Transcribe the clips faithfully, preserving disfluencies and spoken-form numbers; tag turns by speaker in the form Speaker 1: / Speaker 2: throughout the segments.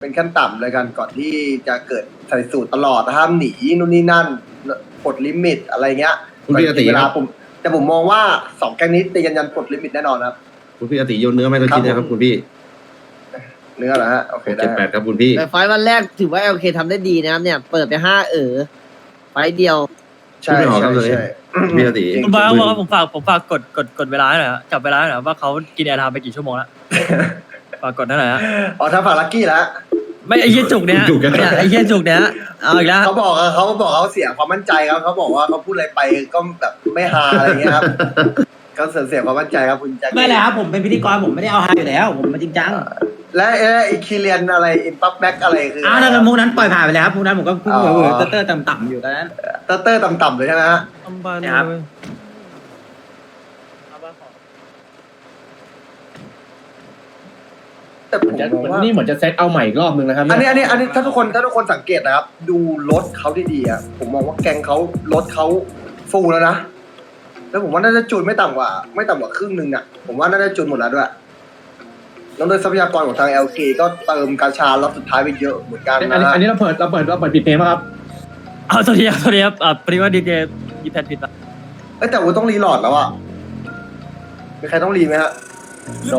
Speaker 1: เป็นขั้นต่ำเลยกันก่อนที่จะเกิดใส่สูตรตลอดห้ามหนีนู่นนี่นั่นกดลิมิตอะไรเงี้ย
Speaker 2: คุณพี่อติ
Speaker 1: เว
Speaker 2: ค
Speaker 1: ลา
Speaker 2: รับ
Speaker 1: ผมแต่ผมมองว่าสองแก๊งนี้ตีกันยันกดลิมิตแน่นอนครับ
Speaker 2: คุณพี่อติโยนเนื้อไม่ต้องคิดนะครับคุณพี่
Speaker 1: เนื้อเหรอฮะโอเคได้
Speaker 2: เจ็ดแปดครับคุณพี่
Speaker 3: แต่ไฟล์วันแรกถือว่าโอเคทำได้ดีนะครับเนี่ย เปิดไปห้าเออไฟล์เดียว
Speaker 1: ใช่
Speaker 2: ไม่ออกครั
Speaker 1: ใช่
Speaker 2: บเลย
Speaker 1: ใช่
Speaker 2: พี่อติ
Speaker 4: คุณบอยครับผมฝากผมฝากกดกดกดเวลาหน่อยครับจับเวลาหน่อยครับว่าเขากินแอร์ไทม์ไปกี่ชั่วโมงแล้ว ฝากกดหน่อยฮะ
Speaker 1: อ๋อถ้าฝากลักกี้แล้ว
Speaker 4: ไม่ไอ้เหี้ยจุกเนี้ยเนี่ยไอ้เหี้ยจุกเนี้ยเอาอีกแล้ว
Speaker 1: เขาบอกอะเขาบอกเขาเสียความมั่นใจครับเขาบอกว่าเขาพูดอะไรไปก็แบบไม่ฮาอะไรเงี้ยครับเขาเสียเสียความมั่นใจครับคุณแจ็ค
Speaker 5: ไม่เลยครับผมเป็นพิธีกรผมไม่ได้เอาฮาอยู่แล้ว ผมมาจริงจัง
Speaker 1: และเอออีคีเรียนอะไรอินปั๊บแบ็กอะไรคือ
Speaker 5: อ้าวนั่นมุกนั้นปล่อยผ่านไปแล้วครับมุกนั้นผมก็พูด
Speaker 1: อ๋อ
Speaker 5: เวอร์เตอร์ต่ำๆอยู่ตอนนั้น
Speaker 1: เตอร์เตอร์ต่ำๆเลยใช่ไหมฮะ
Speaker 5: ครับ
Speaker 1: แต่ผมมองว่า
Speaker 6: นี่เหมือนจะเซตเอาใหม่อีกรอบนึงนะครับ
Speaker 1: อันนี้อันนี้อันนี้ถ้าทุกคนถ้าทุกคนสังเกตนะครับ ดูรถเขาดีๆอ่ะผมมองว่าแกงเขารถเขาฟูลแล้วนะแล้วผมว่าน่าจะจูนไม่ต่ำกว่า ไม่ต่ำกว่าครึ่งหนึ่งอ่ะผมว่าน่าจะจูนหมดแล้วด้วยแล้วโดยทรัพยากรของทาง แอล เค ก็เติมกาชาล็อตสุดท้ายไปเยอะเหมือนกัน
Speaker 6: อัน
Speaker 1: นะ
Speaker 6: นี้
Speaker 1: ฮะ
Speaker 6: อันนี้เราเปิดเราเปิดเราเปิดปิดเพลงป่ะครับ
Speaker 4: เอาสวัสดีครับสวัสดีครับอ่าพอดีว่าดีเจยีแพนผิดปะ
Speaker 1: เอ้ยแต่ว่าต้องรีโหลดแล้วอ่ะมีใครต้องรีไหมฮะ
Speaker 6: โน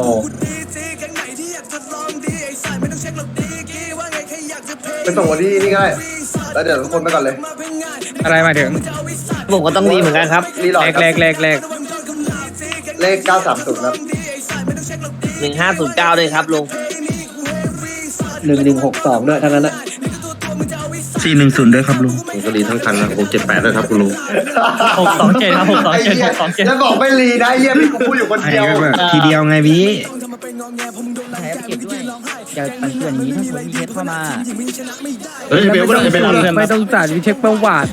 Speaker 1: ไปส่งวันที่นี่ก็ได้แล้วเดี๋ยวทุกคนไปก่อนเลย
Speaker 7: อะไรหมายถึง
Speaker 3: ผมก็ต้องดีเหมือนกันครับ
Speaker 1: รีโหลด
Speaker 7: แรก
Speaker 1: ครับ
Speaker 7: แรกแรกแรก
Speaker 1: เลขเก้าสามศูนย์ครับ
Speaker 3: หนึ่งห้าศูนย์เก้าเลยครับลุง
Speaker 6: หนึ่งหนึ่งหกสองด้วยทั้งนั้นนะ
Speaker 7: สี่หนึ่งศูนย์ด้วยครับลุง
Speaker 2: ผมก็รีทั้งคันนะผมเจ็ดแปดด้วยครับคุณลุง
Speaker 4: หกสองเจ็ดครับหกสองเจ็ดหกสองเจ็ด
Speaker 1: แล้วบอกไม่รีนะไอ้เยี่ยพี่กูพูดอยู่คน
Speaker 7: ไอ้
Speaker 1: เดียว
Speaker 7: ก็แบบทีเดียวไงพี่
Speaker 8: แถมเก็บด้วยอย่าปั่นเพื่อนอย่างนี้ถ้าสมมติมีเคสเข้ามา
Speaker 2: เฮ้ยเบลก็ได้เบล
Speaker 7: ไม่ต้องจ่ายวิเช็คประวัติ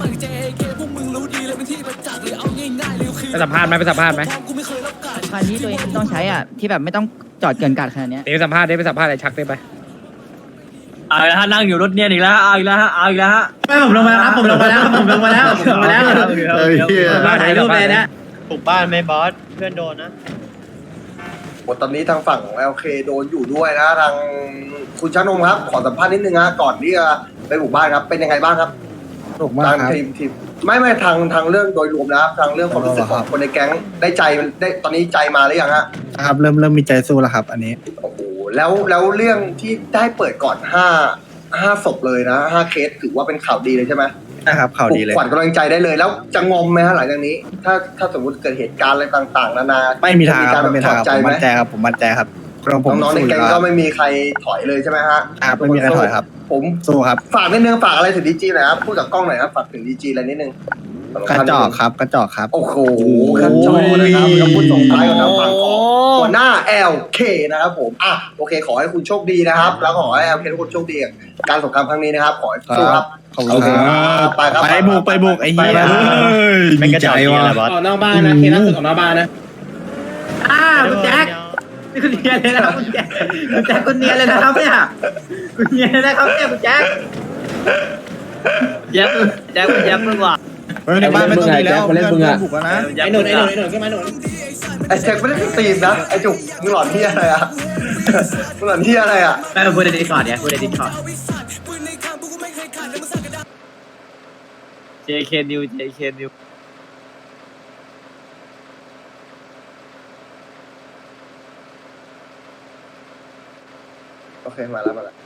Speaker 7: ไปสัมภาษณ์ไหมไปสัมภาษณ์ไหม
Speaker 8: คันนี้ตัวเองต้องใช้อ่ะที่แบบไม่ต้องจอดเกินกาดขนาดเนี้ย
Speaker 7: เดี๋ยวไปสัมภาษณ์ได้ไปสัมภาษณ์ไอ้ชักได้ไป
Speaker 4: เอาอีกแล้วฮะนั่งอยู่รถเนี่ยอีกแล้วเอาอีกแล้วฮะเอาอีกแล้วฮะ
Speaker 5: ไม่ผมลงมาแล้วครับผมลงมาแล้วผมลงมาแล้วผมลงมาแล้ว
Speaker 2: เฮ้ยเหี้ย
Speaker 5: ผมมาถ่ายรูปเลยนะ
Speaker 3: ปลุกบ้านไม่บอสเพื่อนโดนนะ
Speaker 1: หมดตอนนี้ทางฝั่งของ แอล เค โดนอยู่ด้วยนะทางคุณชานงครับ ขอสัมภาษณ์นิดนึงนะก่อนที่จะไปบุกบ้านครับเป็นยังไงบ้างครับ
Speaker 7: ถูกมาก
Speaker 1: ทาง
Speaker 7: ครับ
Speaker 1: ทีมทีมไม่ไม่ทางทางเรื่องโดยรวมนะครับทางเรื่องความรู้สึกของคนในแก๊งได้ใจได้ตอนนี้ใจมาหรือยังฮะ
Speaker 7: ครับเริ่มเริ่มมีใจสู้แล้วครับ อันนี้
Speaker 1: โอ้โหแล้วแล้วเรื่องที่ได้เปิดก่อนห้าห้าศพเลยนะห้าเคสถือว่าเป็นข่าวดีเลยใช่ไหม
Speaker 7: นะครับข่าวดีเลย
Speaker 1: ขวัญกำลังใจได้เลยแล้วจะงอมไหมฮะหลังจากนี้ ถ้าถ้าสมมติเกิดเหตุการณ์อะไรต่างๆนานา
Speaker 7: ไม่มีทางครับ
Speaker 1: จะ
Speaker 7: ไม่มี
Speaker 1: ถ
Speaker 7: ทา
Speaker 1: อง ด
Speaker 7: ครับ
Speaker 1: ใจ
Speaker 7: ผม
Speaker 1: ไหม
Speaker 7: มั่นใจครับผมมั่นใจครับเราผม
Speaker 1: น้องๆใน
Speaker 7: สู้
Speaker 1: แก๊ง
Speaker 7: แล้ว
Speaker 1: ก็ไม่มีใครถอยเลยใช่ไหมฮะ
Speaker 7: ครับไม่มีใครถอยครับ
Speaker 1: ผม
Speaker 7: สู้ครับ
Speaker 1: ฝากนิดนึงฝากอะไรถึงดีจีหน่อยครับพูดกับกล้องหน่อยครับฝากถึงดีจีอะไรนิดนึง
Speaker 7: กระจอกครับกระจอกครับ
Speaker 1: โอ้โหกระจอกนะครับคำพูดส่งท้ายกับทางฝั่งของหัวหน้า แอล เค นะครับผมอ่ะโอเค ขอให้คุณโชคดีนะครับ แล้วขอให้ แอล เค ทุกคนโชคดีกับการสงครามครั้งนี้นะครับขอให้สู้ครับ
Speaker 7: ขอบคุณครับ
Speaker 1: ไปครับ
Speaker 7: ไปบุกไปบุกไอ้เหี้ย
Speaker 1: ไปครับ
Speaker 7: มีใจว่ะ
Speaker 6: ออกนอกบ้านนะเคสล่าสุดออกนอกบ้านนะ
Speaker 5: อ้าวคุณแจ็คนี่คุณเนียนเลยนะครับคุณแจ็คคุณแจ็คคุณเนียนเลยนะครับเนี่ยคุณเนียนเลยนะครับเนี่ยคุณแจ็ค
Speaker 3: แจ๊บแจ๊บแจ๊บมึงว่ะ
Speaker 7: เฮ้ยในบ้านไม่ต้องดีแล้ว
Speaker 6: มาเล่นมึงอะ
Speaker 7: บุกแล้วนะ
Speaker 5: ไอ้หนุนไอ้หนุนไอ้หนุนขึ้นมาหนุน
Speaker 1: ไอ้แจ็คไม่ได้ตีมนะไอ้จุกมึงหลอนที่อะไรอ่ะมึงหลอนที่อะไรอ่ะ
Speaker 5: ไม่ผมพูดในดิสคอร์ดเนี่ยพูดในดิสคอร์ด
Speaker 3: เจเคนิวเจเคนิว
Speaker 1: โอเคมาแล้วมาแล้ว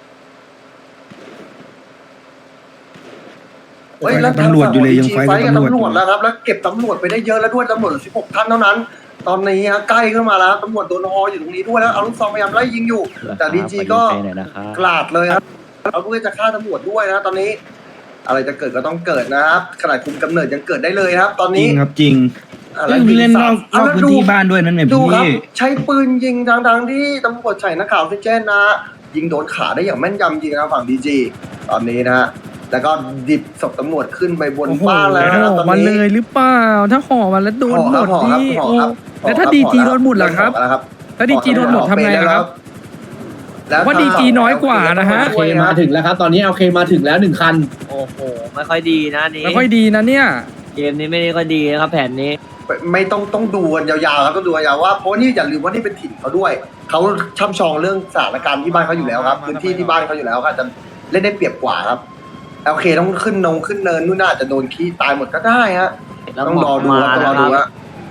Speaker 1: เฮ้ยแล้ว
Speaker 7: ตำรวจอยู่เลยยังไฟ
Speaker 1: ไฟ
Speaker 7: กับ
Speaker 1: กับ
Speaker 7: ตำรวจ
Speaker 1: ตำรวจแล้วครับแล้วเก็บตำรวจไปได้เยอะแล้วด้วยตำรวจสิบหกท่านเท่านั้น ตอนนี้ฮะใกล้ขึ้นมาแล้วตำรวจโดนฮออยู่ตรงนี้ด้วยแล้วเอาลูกซองพยายามไล่ยิงอยู่ แต่ดีจีก็กลาดเลยครับเอาเพื่อจะฆ่าตำรวจด้วยนะตอนนี้ อะไรจะเกิดก็ต้องเกิดนะครับขนาดคุมกำเนิดยังเกิดได้เลยครับ ตอน
Speaker 7: จริ
Speaker 1: นี้
Speaker 7: งครับจริง
Speaker 1: อ่ะ
Speaker 7: เล่
Speaker 1: แล้วยิง
Speaker 7: นน
Speaker 1: สั
Speaker 7: อก
Speaker 1: ตว์
Speaker 7: นอกพื้นที่บ้านด้วยนั่นไง
Speaker 1: ดูครับ
Speaker 7: พี่
Speaker 1: ใช้ปืนยิงทางทางๆที่ตำรวจใส่หน้ากากออกซิเจนนะ ยิงโดนขาได้อย่างแม่นยจริงนะฝั่งดีจีตอนนี้นะฮะแล้วก็ดิบศพตำรวจขึ้นไปบน
Speaker 7: โอ้โห
Speaker 1: บ้านแล้วนะตอน
Speaker 7: มัน
Speaker 1: นี้
Speaker 7: เลยหรือเปล่า ถ้าห่อมันแล้วโดนหมด
Speaker 1: ห่อครับ
Speaker 7: นี่
Speaker 1: ห่อ
Speaker 7: โอ้
Speaker 1: ครับห่อครับ
Speaker 7: แล้วถ้าดีจีโดนหมดล่ะครับ
Speaker 1: ห่อแล้วครับ
Speaker 7: ถ้าดีจีโดนหมดทำไงครับ
Speaker 1: แล้ว
Speaker 7: ว่า ดีจี น้อยกว่านะฮะ
Speaker 6: โอเคมาถึงแล้วครับ ตอนนี้โอเคมาถึงแล้วหนึ่งคัน
Speaker 3: โอ้โหไม่ค่อยดีนะนี่
Speaker 7: ไม่ค่อยดีนะเนี่ย
Speaker 3: เกมนี้ไม่ได้ค่อยดีนะครับแผนนี้
Speaker 1: ไม่ต้องต้องดูกันยาวๆครับต้องดูกันยาวว่าเพราะว่านี่อย่าลืมว่านี่เป็นถิ่นเขาด้วยเขาช่ำชองเรื่องสถานการณ์ที่บ้านเขาอยู่แล้วครับพื้นที่ที่บ้านเขาอยู่แล้วครับจะเล่นได้เปรียบกว่าครับโอเคต้องขึ้นนงขึ้นเนินนู่นน่าจะโดนขี้ตายหมดก็ได้ฮะต้องรอดูต้องรอดูฮะ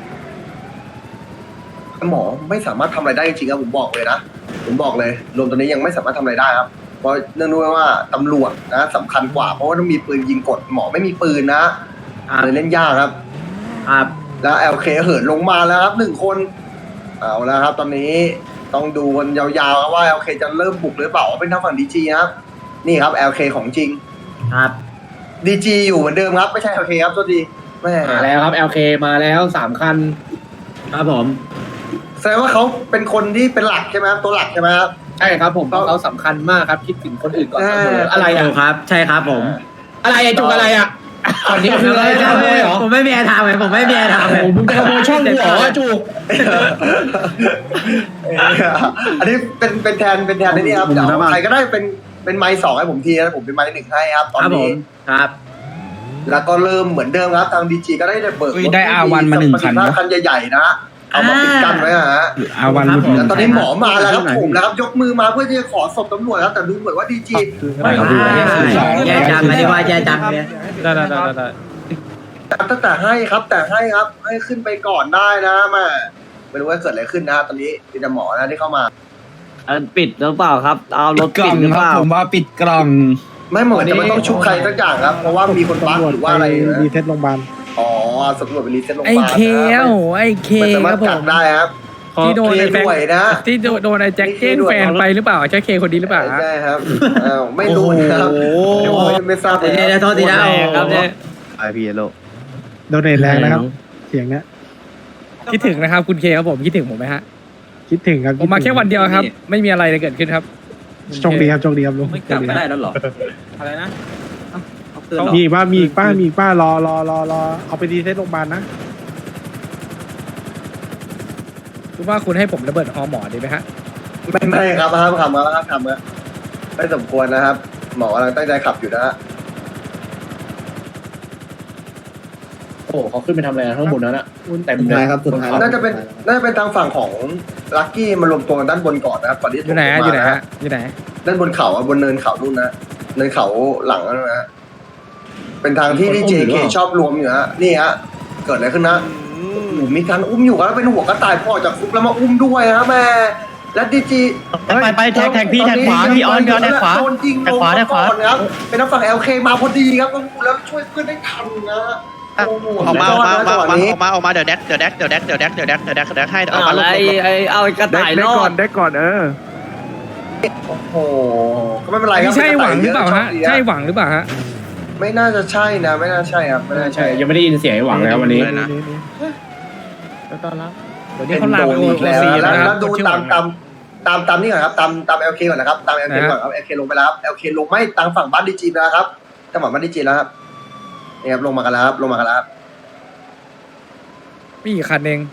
Speaker 1: หมอไม่สามารถทำอะไรได้จริงๆครับผมบอกเลยนะผมบอกเลยรวมตัวนี้ยังไม่สามารถทำอะไรได้ครับเพราะเนื่องด้วยว่าตำรวจนะสำคัญกว่าเพราะว่าต้องมีปืนยิงกดหมอไม่มีปืนนะเลยเล่นยากครับ
Speaker 5: ครับ
Speaker 1: แล้ว แอล เค เหินลงมาแล้วครับหนึ่งคนเอาแล้วครับ ตอนนี้ต้องดูกันยาวๆครับว่า แอล เค จะเริ่มบุกหรือเปล่าเป็นทางฝั่ง ดี จี ครับนี่ครับ แอล เค ของจริง
Speaker 5: ครับ
Speaker 1: ดี จี อยู่เหมือนเดิมครับไม่ใช่ แอล เค ครับตัวดีแม่
Speaker 6: มาแล้วครับ แอล เค มาแล้วสามคัน
Speaker 5: ครับผม
Speaker 1: แสดงว่าเขาเป็นคนที่เป็นหลักใช่ไหมครับตัวหลักใช่ไหมครับ
Speaker 6: ใช่ครับผมเพราะเขาสำคัญมากครับ คิดถึงคนอื่นก่อนเสมออะไรอ่ะ
Speaker 5: ถูกครับ ใช่ครับผม
Speaker 6: อะไรอ่ะจุกอะไรอ่ะอันนี้คืออะไรจะขโมยเหรอ
Speaker 5: ผมไม่มีแอร์ไทม์ไงผมไม่มีแอร์ไทม์
Speaker 6: โอ้โหมึงจะขโมยช่องกูเหรอจุก
Speaker 1: อันนี้เป็นเป็นแทนเป็นแทนในนี่ครับเดี๋ยวใครก็ได้เป็นเป็นไม้สองให้ผมทีนะผมเป็นไม้หนึ่งให้ครับตอน
Speaker 5: ครับผ
Speaker 1: นี้
Speaker 5: มครับ
Speaker 1: แล้วก็เริ่มเหมือนเดิมครับทางดีจีก็ได้เบิก
Speaker 7: อุ้ยได้ อาร์ วัน มาหนึ่งคันนะ
Speaker 1: คันใหญ่ๆนะเอามาปิดกั้นไว้อะฮะ
Speaker 7: อาวัน
Speaker 5: ครับ
Speaker 7: หลุด
Speaker 1: แล้วตอนนี้หมอมาแล้วครับผมนะครับยกมือมาเพื่อที่จะขอศพตำรวจครับแต่ดูเหมือนว่าดีจี
Speaker 5: ไม่แย่จังไม่ได้ว่าแย่จังเลย
Speaker 4: ได้ได้ได้ได้
Speaker 1: ตั้งแต่ให้ครับแต่ให้ครับให้ขึ้นไปก่อนได้นะแม่ไม่รู้ว่าเกิดอะไรขึ้นนะตอนนี้มีแต่หมอนะที่เข้ามา
Speaker 3: ปิดหรือเปล่าครับ เอารถ
Speaker 7: กล่
Speaker 3: ปิ
Speaker 7: อ
Speaker 3: ด
Speaker 7: ง
Speaker 3: หรือ
Speaker 7: ค
Speaker 3: เป
Speaker 7: รับ
Speaker 3: ล่า
Speaker 7: ผมว่าปิดกล่อง
Speaker 1: ไม่เหมือนจะไม่ต้องชุบใครสักอย่างครับเพราะว่ามีคนบั๊กหรือว่าอะไรนะ
Speaker 6: รีเซ็ตโรงพยาบาล
Speaker 1: อ๋อสำรวจไปรีเซ็ตโรงพ
Speaker 7: ไอ้
Speaker 1: ยาบาล
Speaker 7: เค
Speaker 1: นะ
Speaker 7: โอ้โหไอ้เค
Speaker 1: ไม่สา
Speaker 7: ค
Speaker 1: มาร
Speaker 7: รั
Speaker 1: ถ
Speaker 7: บผ
Speaker 1: กัก
Speaker 7: ม
Speaker 1: ได้ครับ
Speaker 7: ที่โดน
Speaker 1: เค
Speaker 7: ไอ้แฟน
Speaker 1: ด้วยนะ
Speaker 7: ที่โดนไอ้แจ็คเก้นแฟนไปหรือเปล่าใช่เคคนนี้หรือเปล่าฮะ
Speaker 1: ใช่ครับอ้าวไม่รู้นะครับ
Speaker 3: โอ้โห
Speaker 1: เดี๋ยวผมไม่ทราบเลย
Speaker 5: เดี๋ยวเดี๋ยวโทษทีนะ
Speaker 3: แรงครับเนี่ย
Speaker 2: ไอพีเอโล
Speaker 6: โดนเนทแรงนะครับ เสียงเนี้ย
Speaker 7: คิดถึงนะครับคุณเคครับผมคิดถึงผมไหมฮะ
Speaker 6: คิดถึงครับ
Speaker 7: ผมมาแค่วันเดียวครับ ไม่มีอะไรเลยเกิดขึ้นครับ
Speaker 6: โชคดีครับโชคดีครับลุง
Speaker 8: ไม่กลับไม่ได้แล้วเหรอ อะไรนะเอาคืนเหรอ
Speaker 6: มีอีกป้ามีอีกป้ามีอีกป้ารอรอรอรอเอาไปรีเซ็ตโรงพยาบาลนะ
Speaker 7: คุณว่าคุณให้ผมระเบิดฮอหมอดีไหมฮะ
Speaker 1: ไม่ไม่ครับห้ามทำครับห้ามทำครับไม่สมควรนะครับ หมอกำลังตั้งใจขับอยู่นะฮะ
Speaker 6: โอ้เขาขึ้นไปทำอะไรข้างบนนั้นอ่ะเต็มเลยครับสุดท้าย
Speaker 1: น่าจะเป็นน่าจะเป็นทางฝั่งของลักกี้มารวมตัวกันด้านบนก่อนนะครับก่อนที่
Speaker 7: อ
Speaker 1: จะ
Speaker 7: ยู่ไหนฮะ
Speaker 1: ลง
Speaker 7: อยู่ไหน
Speaker 1: มา
Speaker 7: ฮะอยู่ไหน
Speaker 1: ด้านบนเขาอะบนเนินเขานู่นนะเนินเขาหลังนั่นนะฮะเป็นทางที่ที่เจเคชอบรวมอยู่ฮะนี่ฮะเกิดอะไรขึ้นนะโอ้โหมีการอุ้มอยู่ครับแล้วเป็นหัวกระต่ายพ่อจากคุกแล้วมาอุ้มด้วยฮะแม่และดีจี
Speaker 4: ไปไปแท็กแท็กพี่แท็กขวาพี่ออนพี่ออนแท็กขวา
Speaker 1: โดนยิง
Speaker 4: แท็กขวา
Speaker 1: ลง
Speaker 4: แท็กขวา
Speaker 1: ก่อนครับเป็นนักฝั่ง แอล เค มาพอดีครับแล้วช่วยเพื่อนได้ทันนะโอ้โห
Speaker 9: ออกมาออกมาออกมา
Speaker 1: จังหวะ
Speaker 9: ออกมา
Speaker 1: นี้
Speaker 9: ออกมาออกมาเดี๋ยวแดกเดี๋ยวแดกเดี๋ยวแดกเดี๋ยวแดกเดี๋ยวแดกเดี๋ยวแดกเดี๋ยวแดกให้เอา
Speaker 3: เอา
Speaker 9: มา
Speaker 3: อะไร
Speaker 9: ลง
Speaker 3: ไอ้เอาไอ้กระต่ายรอด
Speaker 6: ได้ก่อนเออ
Speaker 1: โอ้โหก็ไม่เป็นไรครั
Speaker 7: นี่
Speaker 1: บ
Speaker 7: ใช่หวังหรือเปล่าฮะ
Speaker 1: โชคดี
Speaker 7: ใช่หวังหรือเปล่าฮะ
Speaker 1: ไม่น่าจะใช่นะไม่น่าใช่ครับไม่น่าใช่
Speaker 6: ยังไม่ได้ยินเสียงไอ้หวังแล้ววันนี้
Speaker 9: นะ
Speaker 3: ต้อนรับ
Speaker 7: เดี๋ยวนี้เขาลามไป
Speaker 1: โด
Speaker 7: โอน
Speaker 1: อีกแล้ว
Speaker 7: ซี
Speaker 1: แล้ว
Speaker 7: นะค
Speaker 1: แล้
Speaker 7: รั
Speaker 1: ว
Speaker 7: บ
Speaker 1: ดู
Speaker 7: ชื่อห
Speaker 1: ตา
Speaker 7: วั
Speaker 1: ม
Speaker 7: ง
Speaker 1: ตามตามตามนี่ก่อนครับตามตาม แอล เค ก่อนนะครับตาม แอล เค ก่อนครับ แอล เค ลงไปแล้วครับ แอล เค ลงไม่ทางฝั่งบ้านดีจีแล้วครับจังหวะบ้านดีจีแล้วครับนี่ครับลงมากันแล้วครับลงมากันแล้วครับ
Speaker 7: มีอีกคันเอง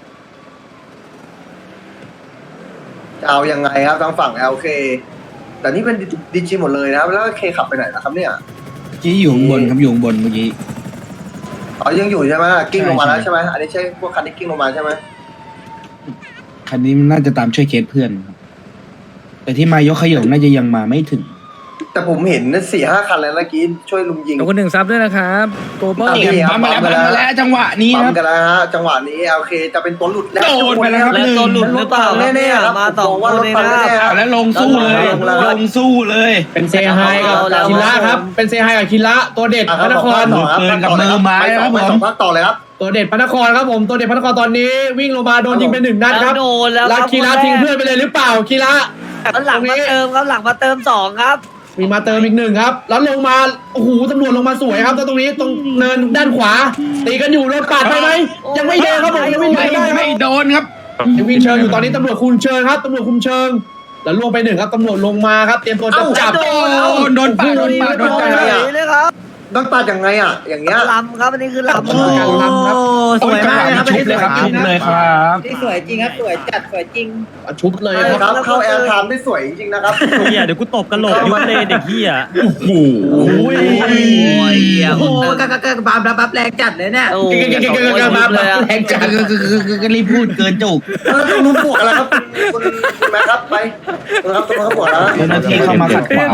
Speaker 1: จะเอายังไงครับทางฝั่ง แอล เค แต่นี่เป็นดีจีหมดเลยนะครับแล้วเคขับไปไหนนะครับเนี่ย
Speaker 7: กี้อยู่บนครับอยู่บนเมื่อกี้
Speaker 1: อ๋อยังอยู่ใช่ไหมกิ้งลงมาแล้ว
Speaker 7: ใช่
Speaker 1: ใช่ไหมอันนี้ใช่พวกคันที่กิ้งลงมาใช่ไหม
Speaker 7: คันนี้น่าจะตามช่วยเคสเพื่อนครับแต่ที่มายกขยงน่าจะยังมาไม่ถึง
Speaker 1: แต่ผมเห็นสี่ห้าคันแล้วเมื่อกี้ช่วยลุมยิง
Speaker 7: ขอบคุณหนึ่งซับด้วยนะครับโกโบ
Speaker 1: ตามที่ครับ
Speaker 7: ปั๊มมาแล้วปั๊มมาแล้วจังหวะนี้
Speaker 1: ปั๊
Speaker 7: ค
Speaker 1: ม
Speaker 7: รับ
Speaker 1: กันแล้วฮะจังหวะนี้โอเคจะเป็นตัวหลุดแล้ว
Speaker 7: โดนไปแล้วครับ
Speaker 3: แล้วตัวหลุดหรือเปล่าครับ
Speaker 1: แน่
Speaker 3: เนี่ย
Speaker 1: ๆครับ
Speaker 3: มาสอง
Speaker 1: ผว่ารถ
Speaker 3: คน
Speaker 1: ปัง
Speaker 3: เลยนะ
Speaker 1: แน่ๆครับ
Speaker 7: แล้วลงสู้เลย
Speaker 1: ลงแล้ว
Speaker 7: ลงสู้เลย
Speaker 6: เป็นเซฮายกับ
Speaker 3: เอาแล้ว
Speaker 6: คิระครับ เป็นเซฮายกับคิระตัวเด็ด
Speaker 1: อ่ะ
Speaker 6: พระนคร
Speaker 1: ต่อครับ
Speaker 7: ปืนกับมือไม้
Speaker 1: ไปสอง
Speaker 7: ครับผม
Speaker 1: ไปสองพักต่อเลยครับ
Speaker 6: ตัวเด็ดพระนครครับผมตัวเด็ดพระนครตอนนี้วิ่งลงมาโดนยิงไปหนึ่งนัดครับ
Speaker 3: แล้วโดนแล้ว
Speaker 6: แล้
Speaker 3: คว รับ
Speaker 6: คีระทิ้งเพื่อนไปเลยหรือเปล่าคีระ
Speaker 3: แล้วหลังมาเติมครับหลังมาเติมสองครับ
Speaker 6: มีมาเติมอีกหนึ่งครับ แล้วลงมาโอ้โหตำรวจลงมาสวยครับแล้วตรงนี้ตรงเนินด้านขวาตีกันอยู่รถปาดไปไหมยังไม่โดนครับผมยังไม่โด
Speaker 7: ไม่
Speaker 6: นได้ครับ
Speaker 7: ไม่โดนครับ
Speaker 6: ยังวิ่งเชิงอยู่ตอนนี้ตำรวจคุมเชิงครับตำรวจคุมเชิงแล้วลงไปหนึ่งครับตำรวจลงมาครับเตรียมตัวจะจับ
Speaker 3: เอ้า
Speaker 7: โดนโดนปาดโดนปาดโดนปาด
Speaker 3: เลยครับ
Speaker 1: ต้องตัดยังไงอ่ะอย่างเงี้ย
Speaker 3: ลำครับอันนี้คือลำ
Speaker 7: โอ้
Speaker 5: สวยมากเลยครับ
Speaker 7: ชุบเลยครับชุบเลยครับ
Speaker 5: นี่สวยจริงครับสวยจัดสวยจริง
Speaker 6: ชุบเลย
Speaker 1: ใช่
Speaker 6: ครับ
Speaker 1: ครับเข้าแอร์ไทม์ได้สวยจริงๆนะครับ
Speaker 4: เฮียเดี๋ยวกูตบกระโหลกยุบเลยเด็กเฮีย
Speaker 6: โอ้โห
Speaker 3: โอ้ยเหี้ย
Speaker 5: โอ้โหก็ก็ก็บัมบัมแรงจัดเลยเนี่ย
Speaker 3: โอ้ยมาเลยอะ
Speaker 7: แรงจังก็รีบพูดเกินจุก
Speaker 1: เออต้องรู้บวกอะไรครับคุณคุณแม่ครับไปคุณครับคุณครับบวกแล้ว
Speaker 7: เจ้าหน้าที่เข้ามาขัดขวาง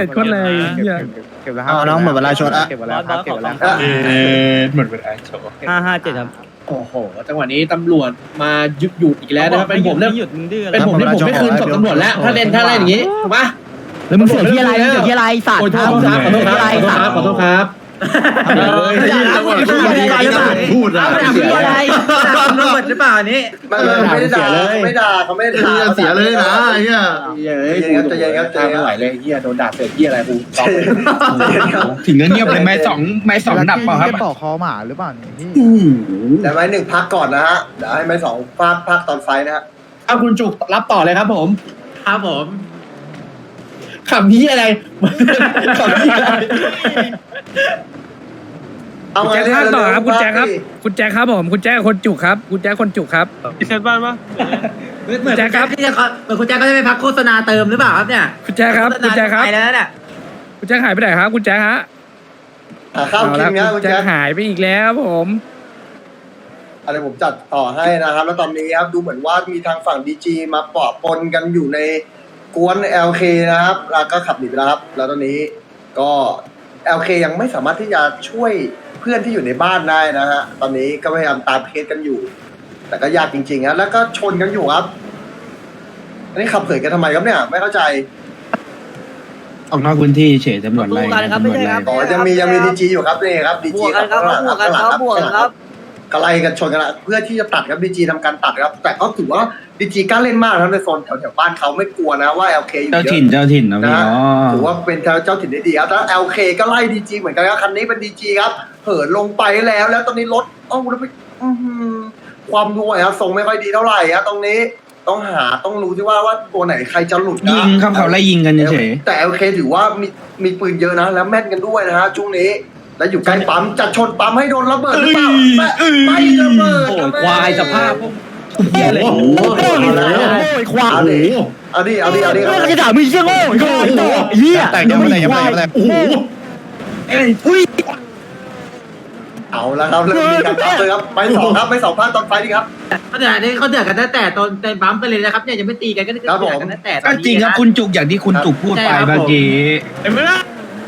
Speaker 8: เอาน้องหมดเวลาชดอะ
Speaker 4: ร้อนร้อนขอร้อง
Speaker 7: เออหมดเวลาโชว์
Speaker 4: ห้าห้าเจ็ดครับ
Speaker 6: โอ้โหจังหวะนี้ตำรวจมายึดหยุดอีกแล้วนะครับเป็นผมเนี่ย
Speaker 4: หยุดมึงดื้อ
Speaker 6: เป็นผมที่ผมไม่คืนศพตำรวจแล้วถ้าเล่นถ้าเล่นอย่างนี้ถูกปะ
Speaker 8: แล้วมึงเสือกที่อะไรมึงเสือกที่อะไรสัตว์
Speaker 6: โอ้ยโทษครับขอโทษครับขอโทษครับขอโทษครับ
Speaker 1: เออ
Speaker 2: จังหวะพูดดีพูดอะ
Speaker 5: เอาไปทำอะไรตำรวจหรือเปล่าอันนี้
Speaker 1: ไม่ไม่ได้ด่าไม่ด่าเขาไม่ได้ด่า
Speaker 2: เสียเลยนะไอ้เหี้ย
Speaker 6: เฮ้ยกูจะยังทำไม่ไหวเลยเฮียโดนด่าเสือกเฮียอะไรกู
Speaker 7: ถึงก็เงียบเลยไม้สองไม้สองดับเปล่าครับ
Speaker 8: ต่อคอหมาหรือเปล่าเนี่ย
Speaker 1: แต่ไม้หนึ่งพักก่อนนะฮะเดี๋ยวให้ไม้สองพักพักตอนไฟนะฮะ
Speaker 6: เอาคุณจุกรับต่อเลยครับผม
Speaker 5: ครับผม
Speaker 6: ขำนี้อะไรขำนี้อะไร
Speaker 1: เอาไง
Speaker 10: แจ็ค
Speaker 1: เนี่ย
Speaker 10: ภาคต่อครับคุณแจ็คครับ
Speaker 1: ดิ
Speaker 10: คุณแจ็คครับผมคุณแจ็คคนจุกครับคุณแจ็คคนจุกครับ
Speaker 4: พิเศษบ้านปะ
Speaker 5: เหมือนคุณแจ็คครับที่จะเหมือนคุณแจ็คก็จะไปพักโฆษณาเติมหรือเปล่าครับเนี่ย
Speaker 10: คุณแจ็คครับคุณแจ็คครับ
Speaker 5: ไปแล้วเนี่ย
Speaker 10: คุณแจ็คหายไปไหนครับคุณแจ็คฮะ
Speaker 1: หาข้าว
Speaker 10: เอา
Speaker 1: กิ
Speaker 10: ละ
Speaker 1: นนะ
Speaker 10: คุ
Speaker 1: คุณ ณ
Speaker 10: แจ็
Speaker 1: แจ็
Speaker 10: ค
Speaker 1: ค
Speaker 10: หายไปอีกแล้วผม
Speaker 1: อะไรผมจัดต่อให้นะครับ แล้วตอนนี้ครับดูเหมือนว่ามีทางฝั่งดีจีมาปะปนกันอยู่ในกวน แอล เค นะครับแล้วก็ขับหนีไปแล้วครับ แล้วตอนนี้ก็ แอล เค ยังไม่สามารถที่จะช่วยเพื่อนที่อยู่ในบ้านได้นะฮะตอนนี้ก็พยายามตามเคสกันอยู่ แต่ก็ยากจริงๆนะแล้วก็ชนกันอยู่ครับอันนี้ขับเผยกันทำไมครับเนี่ยไม่เข้าใจ
Speaker 7: ออกนอกพื้นที่เฉยตำรวจไล่
Speaker 3: บวกกันครับไม่ใช่ครับ
Speaker 1: อ๋อยังมียังมีดีจีอยู่ครับนี่ครับดี
Speaker 3: บ
Speaker 1: จี
Speaker 3: วกกันครับบวกกันครับบวกกันครับ
Speaker 1: ก็ไล่กันชนกันละเพื่อที่จะตัดครับดีจีทำการตัดครับ แต่ก็ถือว่าดีจีกล้าเล่นมากนะในโซนแถวแถวๆบ้านเขาไม่กลัวนะว่าเอลเคอยู่
Speaker 7: เจ้า
Speaker 1: เย
Speaker 7: ถิ่น
Speaker 1: อะ
Speaker 7: เจ้าถิ่นนะพี่
Speaker 1: นะ
Speaker 7: เนาะ
Speaker 1: ถือว่าเป็นเจ้าถิ่นได้ดีครับแล้วเอลเคก็ไล่ดีจีเหมือนกันครับคันนี้เป็นดีจีครับเหินลงไปแล้วแล้วตอนนี้รถเอ้าแล้วไปอื้อหือความรวยครับทรงไม่ค่อยดีเท่าไหร่ครับตรงนี้ต้องหาต้องรู้ที่ว่าว่าตัวไหนใครจะหลุดนะ
Speaker 7: ยิงครับเขาไล่ยิงกันเฉย
Speaker 1: แต่โอเคถือว่ามีมีปืนเยอะนะ แล้วแม่นกันด้วยนะฮะช่วงนี้ แล้วอยู่ใกล้ปั๊มจะชนปั๊มให้โดนระเบิดหรือเปล่าไม่ไม่ระเบิด
Speaker 6: โอ้ยควายสภาพพวกเฮียเลย
Speaker 1: โอ้โห
Speaker 10: โอ้ยควาย
Speaker 1: เอาดิเอาดิเอาดิเอาดิ
Speaker 10: ก็จะด่ามึงเชี่ยโง่โง่โง่เฮีย
Speaker 8: แต่ยังไม่ได้ยังไม่ได้ยังไม่ได้
Speaker 6: โอ้โห
Speaker 1: เอาแล้วครับเริ่มมีการปั๊มเลยครับไปสองครับไปสองภาคตอนไฟดีครับ
Speaker 5: เขาเดือดนี่เขาเดือดกันตั้งแต่ตอนในปั๊มไปเลยนะครับเนี่ยยังไม่ตีกันก็เดือด
Speaker 1: ครับผม
Speaker 5: กันตั้งแต่ต
Speaker 7: ๆ
Speaker 5: อ
Speaker 7: ก็
Speaker 5: นนี้
Speaker 7: จริงครับ
Speaker 5: นะ
Speaker 7: คุณจุกอย่างที่คุณจุกพูดไปเมื่อกี้
Speaker 6: เห็นไหมล่ะ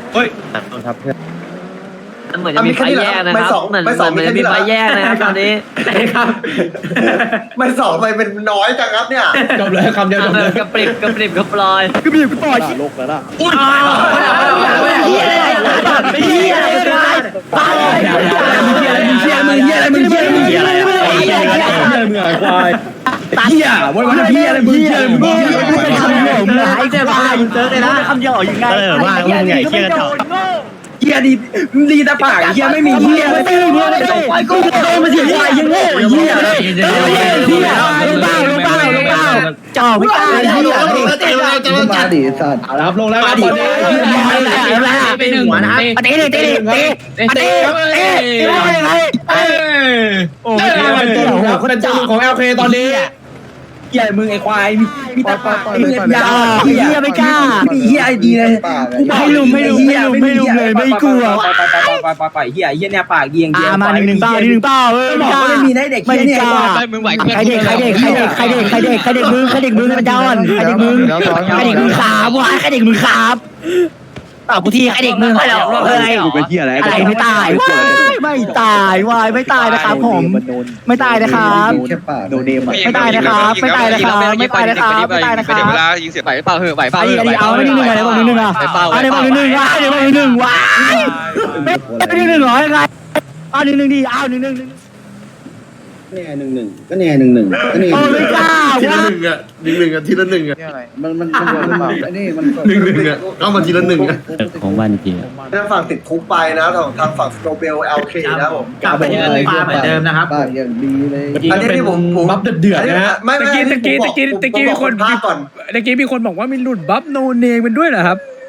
Speaker 3: มันเหมือนจะมีไฟแยกนะครับเหมือนเหมือนจะมีไฟแยกนะครับตอนนี้
Speaker 5: ใช่ครับ
Speaker 1: ไม่สองไปเป็นน้อยจังครับเนี่ย
Speaker 6: จบเลยคำเดียวจบเลย
Speaker 3: กระปริบกระปริบกระปลอย
Speaker 10: ก็มีกูต่อย
Speaker 3: เฮียอะไรเฮียอะไรตาย
Speaker 6: มึงเฮียมึงเฮียอะไรมึงเฮียมึงเฮียอะไรมึงเฮียอะไรมึงไอ้ควายเฮียวันวันเฮียอะไรมึงเฮียมึงเฮียมึงเป็นคำเดียวมึง
Speaker 5: ไอ้เจ้าบ้ามึงเจอเลยนะ
Speaker 10: คำเดียวยังไง
Speaker 4: เออว่ามึงใหญ่เชี่ยกระจอก
Speaker 6: เฮียดีดีแต่ปากเฮียไม่มีเฮียไม่ได้เฮียไม่ได้ไอ้กูโตมาเสียควายยังโง่เฮียเฮียเฮียลงเป้าลงเป้าลงเป้า
Speaker 10: จ่อไม่ตาย
Speaker 6: เฮีย
Speaker 7: มาดิสัตว์
Speaker 6: เอาละครับลงแล้วครับตอนนี้
Speaker 5: ไปหนึ่งหัวนะครับ
Speaker 10: เตะเตะเตะเตะเตะเตะเตะ
Speaker 6: โอ้ยเป็นตัวหลุดครับเป็นตัวหลุดของ แอล เค ตอนนี้เฮียมึงไอ้ควายมีมีแต่ปากเฮียยาเฮียไม่กล้าเฮียไอดีเลย
Speaker 10: ไม่ลุมไม่ลุมไม่ลุมไม่ลุมเลยไม่กลัว
Speaker 6: ไปไปไปไปไปไปเฮียเฮียเนี่ยปากเดียงเดีย
Speaker 10: มาหนึ่งหนึ่งเป้าหนึ่งหนึ่งเป้าเออ
Speaker 6: หมอก็ไม่มีนะเด็ก
Speaker 10: ไม่
Speaker 6: เฮียเนี่ย
Speaker 10: กล้า
Speaker 9: มึงไหว
Speaker 10: ใครเด็กใครเด็กใครเด็กใครเด็กใครเด็กใครเด็กมึงใครเด็กมึงมันจะอ่อนใครเด็กมึงใครเด็กมึงขาบวะใครเด็กมึงขาบตอบกูทีใครเด็กมึงให้เราเฮ้ยอะไรไม่ตายไม่ตายวายไม่ตายนะครับผมไม่ตายนะครับ ไม่ตายนะครับไม่ตายนะครับไม่ตายนะครับไม่ตายนะครับ
Speaker 9: เวลายิงเสียไหวเปล่าเหอะไหวเปล่า
Speaker 10: ไอ้ไอ้เอาไม่หนึ่งหนึ่งอะไรบอกหนึ่งหนึ่งอ่ะเอาได้บอกหนึ่งหนึ่งว้าได้บอกหนึ่งหนึ่งว้าไม่ได้หนึ่งหนึ่งหรอยังไงเอาหนึ่งหนึ่งดีเอาหนึ่งหนึ่ง
Speaker 7: เนี่ยหนึ่งหนึ่งก็เนี่ยหนึ่งหนึ่งก็เนี่ย
Speaker 10: โอ้ไม่กล้า
Speaker 2: ทีละ
Speaker 10: วะ
Speaker 2: หนึ่งอ่ะหนึ่งหนึ่งอ่ะทีละหนึ่งอ่ะ
Speaker 7: มันมันมันหรือเปล่าไอ้นี่มัน
Speaker 2: หนึ่งหนึ่งอ่ะเข้ามาทีละหนึ่งอ่ะ
Speaker 8: ของวันจริง
Speaker 1: ทางฝั่งติดคุกไปนะทางทางฝั่งสโตเบล แอล เค นะครับผม
Speaker 5: กลับไปยืนปลาเหมือนเดิมนะครับ
Speaker 7: ปากอย่างดีเลย
Speaker 1: อันนี้ที่ผมผม
Speaker 6: บัฟเดือดๆนะฮะ
Speaker 1: ไม่ไม่
Speaker 10: ตะกี้ตะกี้ตะกี้ตะกี้มีคน
Speaker 1: ภาคก่อน
Speaker 10: เมื่อกี้มีคนบอกว่ามีหลุดบัฟโนเนมมันด้วยเหรอครับ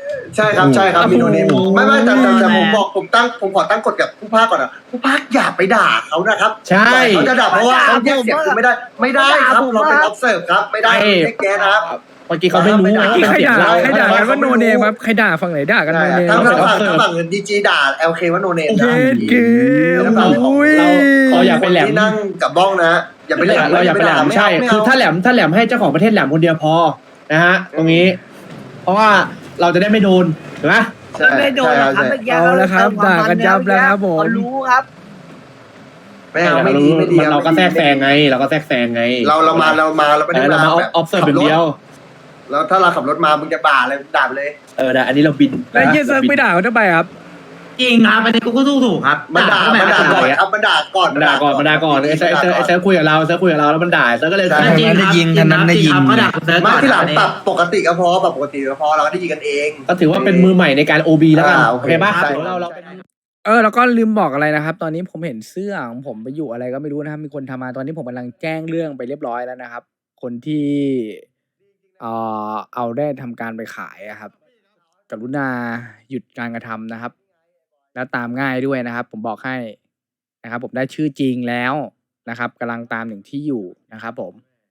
Speaker 1: ใช่ครับใช่ครับมีโนเนมไม่ไม่แต่แต่แต่ผมบอกผมตั้งผมขอตั้งกฎกับผู้ภาคก่อนนะผู้ภาคอย่าไปด่าเขานะครับ
Speaker 6: ใช่
Speaker 1: เขาจะด่าเพราะว่าเขาแยกเสียงคุณไม่ได้ไม่ได้ครับเราเป็น observe ครับไม่ได้ไม่แก้นะครับ
Speaker 6: เมื่อกี้เขาไม่รู้ว่าเป็น
Speaker 1: ใคร
Speaker 6: เสียง
Speaker 1: ด่า
Speaker 6: เรา
Speaker 1: ใครด่ากันว่าโนเนมครับ
Speaker 10: ใครด่าฝั่งไหนด่ากันโนเนม
Speaker 1: ทั้งฝั่งทั้งฝั่งดีจีด่า แอล เค ว่าโนเนมนะ
Speaker 10: เกม
Speaker 1: แล้วฝั่งของ
Speaker 6: เราเราอย่าไปแหลม
Speaker 1: ที่นั่งกับบ้องนะอย่าไปแหลม
Speaker 6: เราอย่าไปแหลมใช่คือถ้าแหลมถ้าแหลมให้เจ้าของประเทศแหลมคนเดียวพอนะฮะตรงนี้ เพราะว่าเราจะได้ไม่โดนถูกไหม
Speaker 3: ไม่โดนหรอกครับเมื่อกี้
Speaker 10: เอาแล้วครับด่ากันยับแล้วครับผม
Speaker 3: เขารู้ครับ
Speaker 1: ไม่เอาไม่ดีไม่ดี
Speaker 6: เราก็แทรกแซงไง เราก็แทรกแซงไง
Speaker 1: เราเรามาเรามาเราไม่ได้
Speaker 6: เรามาออฟเซอร์เป็นเดียว
Speaker 1: แล้วถ้าเราขับรถมามึงจะด่าอะไรด่าไปเลย
Speaker 6: เอออันนี้เราบิน
Speaker 10: แล้วเฮียเซิร์ฟไม่ด่าเขาทำไมครับ
Speaker 5: จริงครับอันนี้กูก็สู้ถูกครับ
Speaker 1: มันด่ามันด่าก่อนครับมันด่าก่อน
Speaker 6: มันด่าก่อนมันด่าก่อนไอ้เซิร์ฟไอ้เซิร์ฟคุยกับเราเซิร์ฟคุยกับเราแล้วมันด่าเซิร์ฟก็เลย
Speaker 5: จริงครับจริงครับจริงครับเขาด่าคุณเซิร์ฟ
Speaker 1: มา
Speaker 5: ก่อน
Speaker 1: ที่หลัง
Speaker 5: อันนี้
Speaker 1: ปรับปกติก็พอปรับปกติก็พอเราก็ได้ยินกันเอง
Speaker 6: ก็ถือว่าเป็นมือใหม่ในการ โอ บี แล้วกัน
Speaker 1: อ่าโอ
Speaker 6: โอ
Speaker 1: เค
Speaker 6: เคป่ะ
Speaker 1: ใช่
Speaker 6: เราเราเป็น
Speaker 10: เออแล้วก็ลืมบอกอะไรนะครับ ตอนนี้ผมเห็นเสื้อของผมไปอยู่อะไรก็ไม่รู้นะครับ มีคนทำมาตอนนี้ผมกำลังแจ้งเรื่องไปเรียบร้อยแล้วนะครับ คนที่เอ่อเอาได้ทำการไปขายอะครับ กรุณาหยุดการกระทำนะครับ แล้วตามง่ายด้วยนะครับ ผมบอกให้นะครับ ผมได้ชื่อจริงแล้วนะครับกำลังตามถึงที่อยู่นะครับ ผม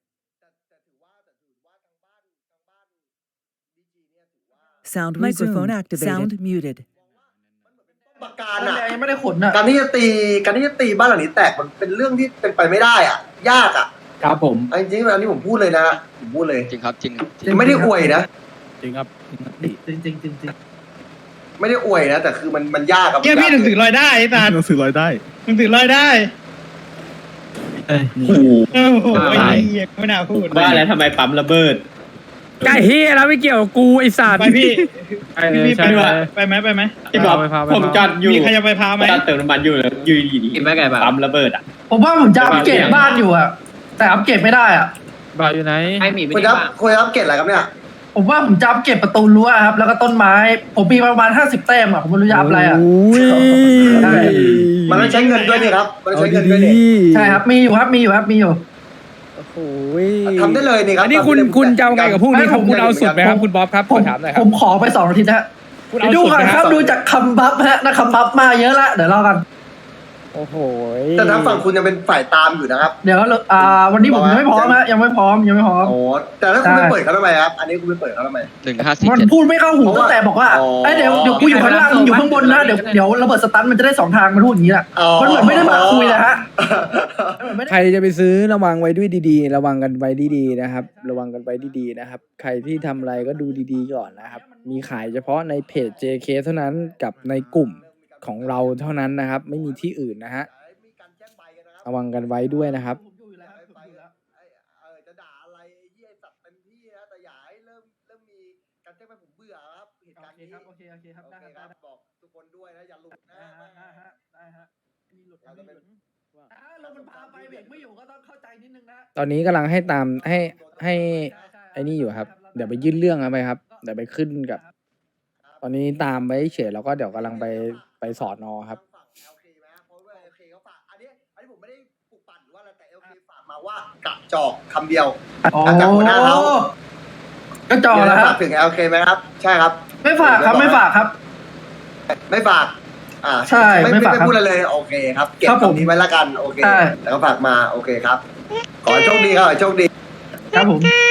Speaker 8: Sound microphone activated. Sound muted.
Speaker 1: ประการอ่ะ
Speaker 5: ยังไม่ได้ขนอ่ะ
Speaker 1: การที่จะตีการที่จะตีบ้านหลังนี้แตกมันเป็นเรื่องที่เป็นไปไม่ได้อ่ะ ยากอ่ะ
Speaker 6: ครับผม
Speaker 1: เอาจริงๆอันนี้ผมพูดเลยนะผมพูดเลย
Speaker 9: จริงครับจริง
Speaker 1: ไม่ได้อวยนะ
Speaker 6: จริงครับ
Speaker 5: จริงจริงจริงจริง
Speaker 1: ไม่ได้อวยนะแต่คือมันมันยากครับ
Speaker 6: เกี่ยพี่หนังสือลอยได้ไอ้ตาหนังสือลอยได้หนังสือลอยได้โอ้โหไม่น่าพูดว่าแล้วทำไมปั๊มระเบิด
Speaker 10: ไก่เฮียแล้วไม่เกี่ยวกับกูไอสัตว์
Speaker 6: ไปพี่
Speaker 10: ไปเลยใช่ไหม
Speaker 6: ไปไหมไปไหมพี่บอกผมจอดอยู่มีใครจะไปพาไหมจอดเติมน้ำมันอยู่เลยอยู่ดีๆปั๊มระเบิดอ่ะ
Speaker 5: ผมว่าผมจะอัปเกรดบ้านอยู่อะแต่อัปเกรดไม่ได้อะ
Speaker 10: บ้าอยู่ไหน
Speaker 1: คุณครับคุณครับเกตอะไรครับเนี่ย
Speaker 5: ผมว่าผมจะอัปเกรดประตูรั้วครับ แล้วก็ต้นไม้ ผมมีประมาณห้าสิบแต้มอะผมไม่รู้จะอัพอะไรอะ
Speaker 10: โอ้ย
Speaker 5: ใช่
Speaker 1: มันต้องใช้เงินด้วยนี่ครับมันต้องใช้เงินด้วยนี่
Speaker 5: ใช่ครับมีอยู่ครับมีอยู่ครับมีอยู่
Speaker 10: โอ้โห
Speaker 1: ทำได้เลยนี่ครับ
Speaker 10: อันนี้คุณคุณจะเอาไงกับพวกนี้ครับคุณเอาสุดไหมครับคุณบ๊อบครับ
Speaker 5: ผ
Speaker 10: ขอ
Speaker 5: ม
Speaker 10: ถามหน่อยค
Speaker 5: ผ
Speaker 10: รับ
Speaker 5: มขอไปสองอาทิตย์นะ
Speaker 10: คุณเอา
Speaker 5: ดู
Speaker 10: สุด
Speaker 5: ก่อ
Speaker 10: ไหม
Speaker 5: น
Speaker 10: ค
Speaker 5: ค
Speaker 10: รั
Speaker 5: รับ บดูจากคำบัฟฮะนะคำบัฟมาเยอะละเดี๋ยวรอกัน
Speaker 10: โอ้โห
Speaker 1: แต่ทางฝั่งคุณยังเป็นฝ่ายตามอยู่นะครับ
Speaker 5: เดี๋ยวอ่าวันนี้ผมยังไม่พร้อมนะยังไม่พร้อมยังไม่พร้อม
Speaker 1: โอ้แต่ถ้าคุณไม่เปิดเขาทำไมครับ อันนี้คุณไม่เปิดเขาทำไม
Speaker 9: หนึ่งห้าสี่
Speaker 5: มัน
Speaker 9: เจ็ด
Speaker 5: พูดไม่เข้าหูตั้งแต่บอกว่า
Speaker 1: อ๋อ
Speaker 5: ไอ้ยเดี๋ยวเดี๋ยวกูอยู่ข้างล่างมึงอยู่ข้างบนนะเดี๋ยวเดี๋ยวระเบิดสตันมันจะได้สองทางมันพูดอย่างนี้แหละ
Speaker 1: อ๋อ
Speaker 5: มันเหมือนไม่ได้มาคุยเลยฮะมันเหมือนไม่ได้
Speaker 10: ใครจะไปซื้อระวังไว้ด้วยดีๆ ระวังกันไว้ดีๆนะครับ ระวังกันไว้ดีๆนะครับ ใครที่ทำอะไรก็ดูดีๆก่อนนะครับ มีขายเฉพาะในเพจ เจ เค เท่านั้นกับในกลุ่มของเราเท่านั้นนะครับ ไม่มีที่อื่นนะฮะระวังกันไว้ด้วยนะครับ
Speaker 1: จะด่าอะไรเยี่ยสัตว์เต็มที่นะแต่อย่าให้เริ่มเริ่มมีการแจ้งไปผมเบื่อครับเหตุการณ์นี้
Speaker 5: โอเคโอเคครับ
Speaker 1: โอ
Speaker 5: ได้
Speaker 1: เค
Speaker 5: ค
Speaker 1: ค
Speaker 5: รั
Speaker 1: รั
Speaker 5: บบ
Speaker 1: บอกทุกคนด้วยนะอย่าหลุดนะ
Speaker 5: ได้ฮะได้ฮะมีหลุดมีหลุดอ่าเรามันพาไปเบรกไม่อยู่ก็ต้องเข้าใจนิดนึงนะ
Speaker 10: ตอนนี้กำลังให้ตามให้ให้ไอ้นี่อยู่ครับ เดี๋ยวไปยื่นเรื่องกันไปครับ เดี๋ยวไปขึ้นกับ ตอนนี้ตามไปเฉยแล้วก็เดี๋ยวกำลังไปไปสอนอครับ
Speaker 1: โอเคไหมเพราะว่าโอเคเขาฝากอันนี้อันนี้ผมไม่ได้ปลุกปั่นหรือว่าอะไรแต่โอเคฝากมาว่ากระจอกคำเดียว
Speaker 5: อ๋อ
Speaker 1: จากหัวหน้าเขา
Speaker 5: ก็จอแล้วค
Speaker 1: ฝา
Speaker 5: รับ
Speaker 1: กถึงโอเคไหมครับ ใช่ครับ
Speaker 5: ไม่ฝากครับไม่ฝากครับ
Speaker 1: ไม่ฝาก อ่า
Speaker 5: ใช่
Speaker 1: ไม่
Speaker 5: ไม่
Speaker 1: ไม่
Speaker 5: ฝาก
Speaker 1: ไม่
Speaker 5: ครับ
Speaker 1: พูดอะไรเลยโอเคครับ เก็บ
Speaker 5: ครับผม
Speaker 1: คำนี้ไว้ละกันโอเค
Speaker 5: ใช่
Speaker 1: แล้วก็ฝากมาโอเคครับ ขอให้โชคดีครับขอให้โชคดี
Speaker 5: ครับผม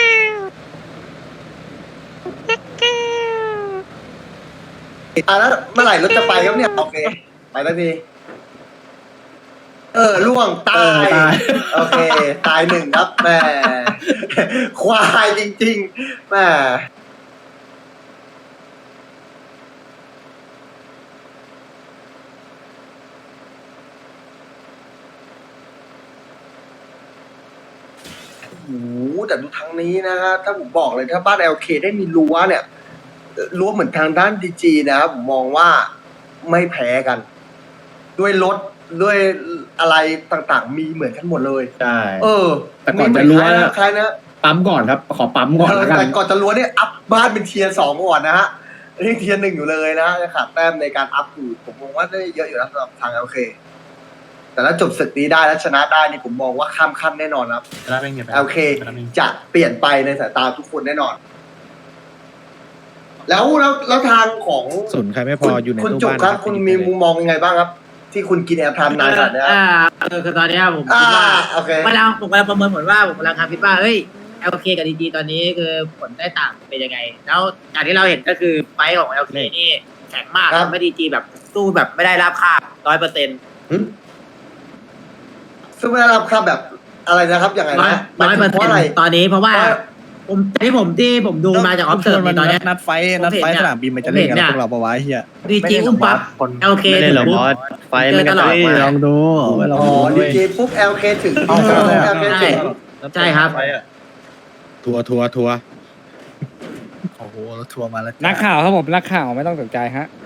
Speaker 1: อ่ะแล้วเมื่อไหร่รถจะไปครับเนี่ยโอเค ไปแล้วทีเออล่วงตาย โอเค ตายหนึ่งครับแหมควายจริงๆแหมโอ้โหแต่ดูทางนี้นะฮะถ้าผมบอกเลยถ้าบ้าน แอล เค ได้มีรั้วเนี่ยเอ่อรั้วเหมือนทางด้านดีจีนะครับผมมองว่าไม่แพ้กัน ด้วยรถด้วยอะไรต่างๆ มีเหมือนกันหมดเลย
Speaker 6: ใช่
Speaker 1: เออ
Speaker 6: แต่ก่อนจะรั้ว
Speaker 1: มีเหมือนใครนะ
Speaker 6: ปั๊มก่อนครับ ขอปั๊มก่อน
Speaker 1: เออ
Speaker 6: แล้วกัน
Speaker 1: แต่ก่อนจะรั้วเนี่ยอัพบ้านเป็นเทียร์สองก่อนนะฮะนี่เทียร์หนึ่งอยู่เลยนะจะขาดแต้มในการอัพอยู่ผมมองว่าได้เยอะอยู่นะสำหรับทางโอเค แต่ถ้าจบศึกนี้ได้และชนะได้นี่ผมมองว่าข้ามขั้นแน่นอนครับโอเค จะเปลี่ยนไปในสายตาทุกคนแน่นอนแล้วแล้วแล้วทางของ
Speaker 10: สนใครไม่พออยู่ใน
Speaker 1: คุณ
Speaker 10: ตู้
Speaker 1: จุก
Speaker 10: บ้าน
Speaker 1: ครับ คุณมีมุมมองยังไงบ้างครับ ที่คุณกินแอร์ไทม์นานขนาดเนี้ย
Speaker 5: อ่าเออคือตอนเนี้ยผม
Speaker 1: อ่า
Speaker 5: คิดว่า
Speaker 1: โอเค
Speaker 5: เวลาผมกำลังประเมินผลว่าผมกำลังคิดว่าเฮ้ยเอลเคกับดีจีตอนนี้คือผลได้ต่างเป็นยังไง แล้วอย่างที่เราเห็นก็คือไฟท์ของเอลเคนี่แข็งมาก
Speaker 1: ครับ
Speaker 5: ทำให้ดีจีแบบสู้แบบไม่ได้ราบคาบร้อยเปอร์เซ็นต์
Speaker 1: ซึ่งไม่ได้รับค่าแบบอะไรนะครับอย่างไร
Speaker 5: ร้อย
Speaker 1: นะ
Speaker 5: ร้อยเปอร์
Speaker 1: เพ
Speaker 5: เซ็น
Speaker 1: ราะอะไร
Speaker 5: ต์ตอนนี้เพราะว่า
Speaker 1: เพราะ
Speaker 5: ผมที่ผมที่ผมดูมาจากออฟเซิร์ฟในตอนเนี้ย
Speaker 10: นัดไฟนัดไฟสนามบินมันจะเล่นกันพวกเราปะวะเฮีย
Speaker 5: ดีจีอุ้มปั๊บเอลเค
Speaker 9: ไม่ได้หรอกบอสไฟมันก็
Speaker 5: ตลอด
Speaker 9: จะ
Speaker 10: ลองดูไม่ลอง
Speaker 1: อ๋อ
Speaker 10: ดู
Speaker 1: ดีเจปุ๊บ แอล เค ถึง
Speaker 10: เอา
Speaker 1: แอ
Speaker 10: เอา
Speaker 1: ล เค ถึง
Speaker 5: ใช่ครับ
Speaker 10: ทัวร์ทัวร์ทัวร์โอ้โหทัวร์มาแล้ว
Speaker 6: นักข่าวครับผมนักข่าวไม่ต้องสนใจฮะ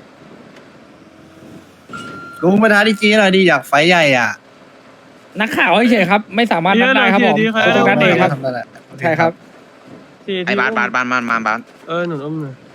Speaker 10: ลุงมาท้าดีจีหน่อยดีอยากไฟใหญ่อ่ะ
Speaker 6: นักข่าวเฉยๆครับ ไม่สามารถนัดได้ครับผมตัวนัดเองครับใช่ครับ
Speaker 9: ไอ้บาสบาสบาสบาสบาส
Speaker 4: เออหนุนอุ้มหน่อย